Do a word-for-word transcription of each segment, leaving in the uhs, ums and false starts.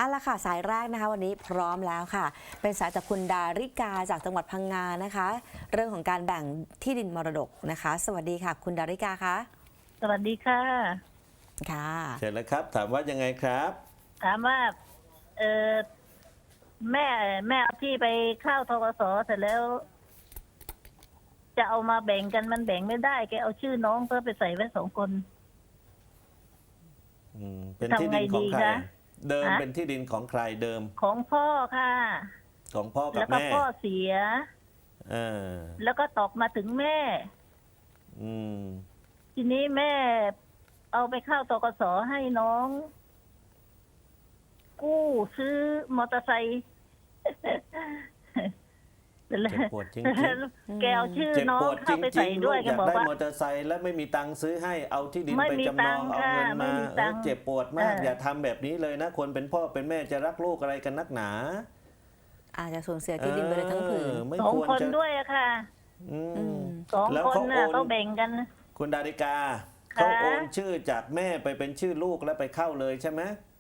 เอาละค่ะสายแรกนะคะวันนี้พร้อมแล้วค่ะเป็นสายจากคุณดาริกาจากจังหวัดพังงานะคะเรื่องของการแบ่งที่ดินมรดกนะคะสวัสดีค่ะคุณดาริกาคะสวัสดีค่ะค่ะเชิญเลยครับถามว่ายังไงครับถามว่าเออแม่แม่เอาที่ไปเข้าทกสเสร็จแล้ว จะเอามาแบ่งกันมันแบ่งไม่ได้แกเอาชื่อน้องเพื่อไปใส่ไว้สองคนอืมเป็นที่ดินของใครทำไงดีคะเดิมฮะเป็นที่ดินของใครเดิมของพ่อค่ะของพ่อกัแล้บวก็แม่พ่อเสียเออแล้วก็ตกมาถึงแม่อืมทีนี้แม่เอาไปเข้าทกสให้น้อง กู้ซื้อมอเตอร์ไซค์เจ็บปวดจริงแกเอาชื่อๆเจ็บน้อปงวดจเข้าไปริใส่งๆด้ลูวยกแกอยากบอกได้ว่ามอเตอร์ไซค์และไม่มีตังค์ซื้อให้เอาที่ดินไม่ไปมีจำนองตัเอางค์เงินค่ะไม่มามีเอตัองค์เจ็บปวดมากเอออย่าทำแบบนี้เลยนะคนเป็นพ่อเป็นแม่จะรักลูกอะไรกันนักหนาอาจจะสูญเสียที่ดินไปเลยทั้งผืนเออไม่สองควรคนจะด้วยอะค่ะอือืมมสองแล้วคนเขาน่ะโอนเขาแบ่งกันคุณดาริกาค่ะเขาโอนชื่อจากแม่ไปเป็นชื่อลูกแล้วไปเข้าเลยใช่ไหม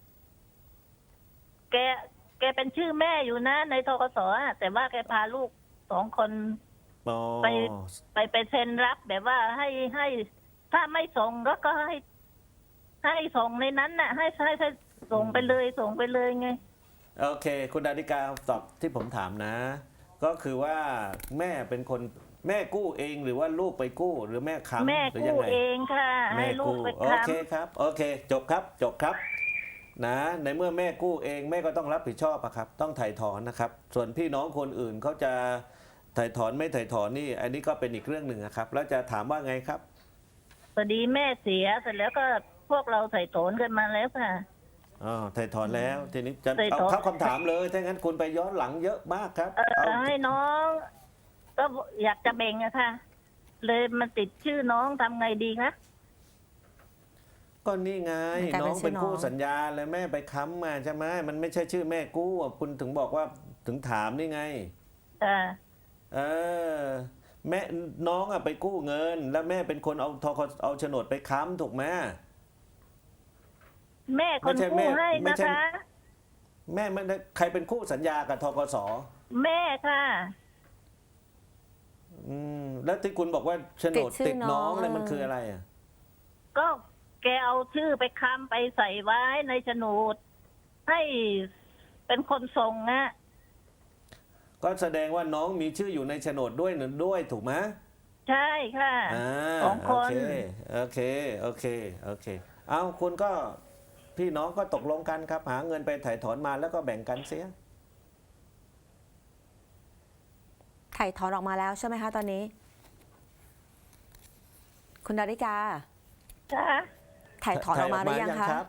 แก แกเป็นชื่อแม่อยู่นะในทกสอะแต่ว่าแกพาลูกสองคนอ๋อไป ไปไปเซ็นรับแบบว่าให้ให้ ถ้าไม่ส่งแล้วก็ให้ ให้ส่งในนั้นน่ะ ให้ให้ให้ส่งไปเลยส่งไปเลยไงโอเค คุณดาริกาตอบที่ผมถามนะ ก็คือว่าแม่เป็นคนแม่กู้เองหรือว่าลูกไปกู้หรือแม่ค้ำแม่หรือกู้ยังไงเองค่ะแม่ให้ลูกกู้ไปโอค้เคครับโอเค จบครับจบครับนะในเมื่อแม่กู้เองแม่ก็ต้องรับผิดชอบอะครับ ต้องถ่ายถอนนะครับ ส่วนพี่น้องคนอื่นเขาจะถ่ายถอนไม่ถ่ายถอนนี่ อันนี้ก็เป็นอีกเรื่องหนึ่งนะครับ แล้วจะถามว่าไงครับำพอดีแม่เสียเสร็จแล้วก็พวกเราใส่โถนกันมาแล้วค่ะอ๋อถ่ายถอนแล้วทีนี้จะถ่ายถเอาอนเข้าคำถามเลยถ้างั้นคุณไปย้อนหลังเยอะมากครับเอเอาอให้น้อง ก็อยากจะแบ่งอะค่ะ เลยมันติดชื่อน้องทำไงดีคะก็นี่ไงมันกลายน้เป็อน งชื่เป็อน น้องคู่สัญญาแล้วแม่ไปค้ำมาใช่ไหมมันไม่ใช่ชื่อแม่กู้อ่ะคุณถึงบอกว่าถึงถามนี่ไงอ่าเออแม่น้องอ่ะไปกู้เงิน แล้วแม่เป็นคนเอาทกเอาโฉนดไปค้ำถูกไหมแม่คนไม่ใช่แม่กู้ให้ไม่นะใช่คะแม่ไม่ได้ใครเป็นคู่สัญญากับทกสแม่ค่ะอืมแล้วที่คุณบอกว่าโฉนดติดชื่อติดน้องน้องเนี่ยมันเออคืออะไรอ่ะก็แกเอาชื่อไปค้ำไปใส่ไว้ในโฉนดให้เป็นคนส่งอะก็แสดงว่าน้องมีชื่ออยู่ในโฉนดด้วยหนึ่งด้วยถูกไหมใช่ค่ะอ่าสองคนโอเคโอเคโอเคโอเคเอาคุณก็พี่น้องก็ตกลงกันครับ หาเงินไปถ่ายถอนมาแล้วก็แบ่งกันเสียถ่ายถอนออกมาแล้วใช่ไหมคะตอนนี้ คุณดาริกาค่ะถ่ายถอนออกมาหรือยังคะรับ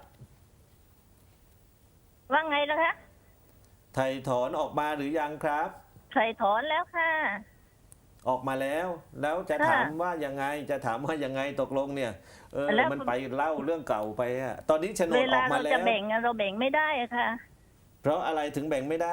ว่าไงล่ะคะถ่ายถอนออกมาหรือยังครับใส่ถอนแล้วค่ะออกมาแล้ว แล้วจะค่ะถามว่ายังไงจะถามว่ายังไงตกลงเนี่ยเออแล้วมันไปเล่าเรื่องเก่าไปอะตอนนี้โฉนเวดอลาอกมาเราแล้จะวแบ่งอะเราแบ่งไม่ได้อะค่ะเพราะอะไรถึงแบ่งไม่ได้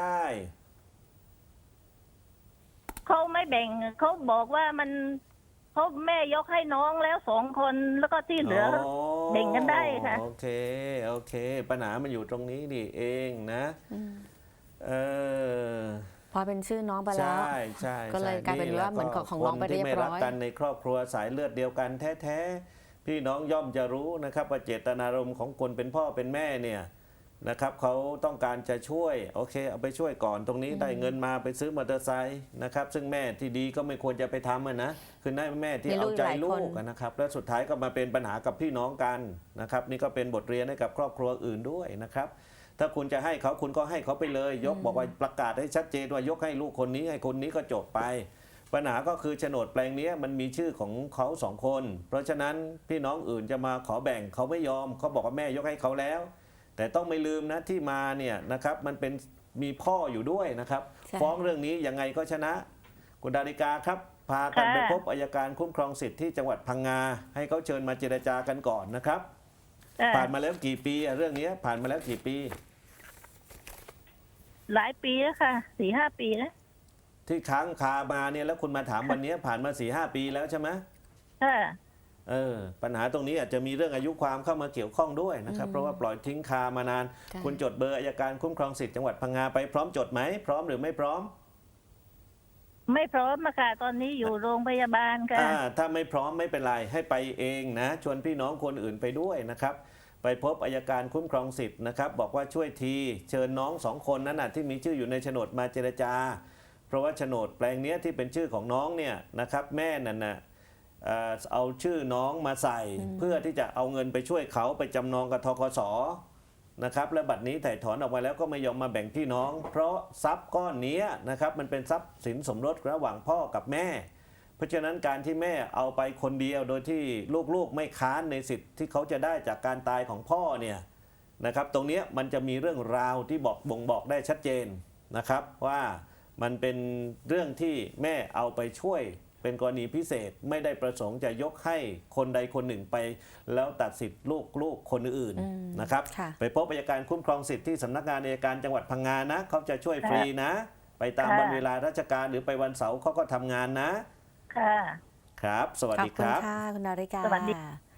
เขาไม่แบ่งเขาบอกว่ามันเขาแม่ยกให้น้องแล้วสองคนแล้วก็ที่เหลือ แบ่งกันได้ค่ะโอเคโอเค ปัญหามันอยู่ตรงนี้นี่เองนะอืมเออพอเป็นชื่อน้องไปแล้วใช่ใช่ก็เลยใช่กลายเป็นว่าเหมือนของของน้องไปเรียบร้อยคนที่ไม่รักกันในครอบครัวสายเลือดเดียวกันแท้ๆพี่น้องย่อมจะรู้นะครับว่าเจตนารมณ์ของคนเป็นพ่อเป็นแม่เนี่ยนะครับเขาต้องการจะช่วยโอเคเอาไปช่วยก่อนตรงนี้ได้เงินมาไปซื้อมอเตอร์ไซค์นะครับซึ่งแม่ที่ดีก็ไม่ควรจะไปทำอะนะคือได้แม่ที่มีลูเอากใจหลายลูคนกอะนะครับแล้วสุดท้ายก็มาเป็นปัญหากับพี่น้องกันนะครับนี่ก็เป็นบทเรียนให้กับครอบครัวอื่นด้วยนะครับ ถ้าคุณจะให้เขาคุณก็ให้เขาไปเลย ยกบอกว่าประกาศให้ชัดเจนว่ายกให้ลูกคนนี้ให้คนนี้ก็จบไป ปัญหาก็คือโฉนดแปลงนี้มันมีชื่อของเขาสองคน เพราะฉะนั้นพี่น้องอื่นจะมาขอแบ่งเขาไม่ยอมเขาบอกว่าแม่ยกให้เขาแล้ว แต่ต้องไม่ลืมนะที่มาเนี่ยนะครับมันเป็นมีพ่ออยู่ด้วยนะครับใช่ฟ้องเรื่องนี้ยังไงก็ชนะ คุณดาริกาครับ พากันค่ะไปพบอัยการคุ้มครองสิทธิ์ที่จังหวัดพังงา ให้เขาเชิญมาเจรจากันก่อนนะครับอ่าผ่านมาแล้วกี่ปีอะเรื่องนี้ผ่านมาแล้วกี่ปีหลายปีแล้วค่ะสี่ห้าปีแล้วที่ค้างคามาเนี่ยแล้วคุณมาถามวันนี้ผ่านมาสี่ห้าปีแล้วใช่ไหมค่ะเออปัญหาตรงนี้อาจจะมีเรื่องอายุความเข้ามาเกี่ยวข้องด้วยนะครับ เพราะว่าปล่อยทิ้งคามานานค่ะคุณจดเบอร์อัยการคุ้มครองสิทธิ์จังหวัดพังงาไปพร้อมจดไหมพร้อมหรือไม่พร้อมไม่พร้อมอะค่ะตอนนี้อยู่โรงพยาบาลค่ะอ่าถ้าไม่พร้อมไม่เป็นไรให้ไปเองนะชวนพี่น้องคนอื่นไปด้วยนะครับไปพบอัยการคุ้มครองสิทธิ์นะครับบอกว่าช่วยทีเชิญน้องสองคนนั้นนะที่มีชื่ออยู่ในโฉนดมาเจรจา เพราะว่าโฉนดแปลงเนี้ยที่เป็นชื่อของน้องเนี่ยนะครับแม่นั่นนะเอ่อเอาชื่อน้องมาใส่ เพื่อที่จะเอาเงินไปช่วยเขาไปจำนองกับธกสนะครับและบัตรนี้ถ่ายถอนออกมาแล้วก็ไม่ยอมมาแบ่งพี่น้อง เพราะทรัพย์ก้อนนี้นะครับมันเป็นทรัพย์สินสมรสระหว่างพ่อกับแม่ เพราะฉะนั้นการที่แม่เอาไปคนเดียวโดยที่ลูกๆไม่ค้านในสิทธิ์ที่เขาจะได้จากการตายของพ่อเนี่ยนะครับตรงเนี้ยมันจะมีเรื่องราวที่บอกบ่งบอกได้ชัดเจนนะครับว่ามันเป็นเรื่องที่แม่เอาไปช่วยเป็นกรณีพิเศษไม่ได้ประสงค์จะยกให้คนใดคนหนึ่งไปแล้วตัดสิทธิ์ลูกๆคนอื่นอืมนะครับค่ะไปพบอัยการคุ้มครองสิทธิ์ที่สำนักงานอัยการจังหวัดพังงานะเขาจะช่วยฟรีนะ ไปตามค่ะวันเวลาราชการหรือไปวันเสาร์เขาก็ทำงานนะค่ะครับ สวัสขอบดีคุคณรับค่ะ คุณดาริกาสวัสดี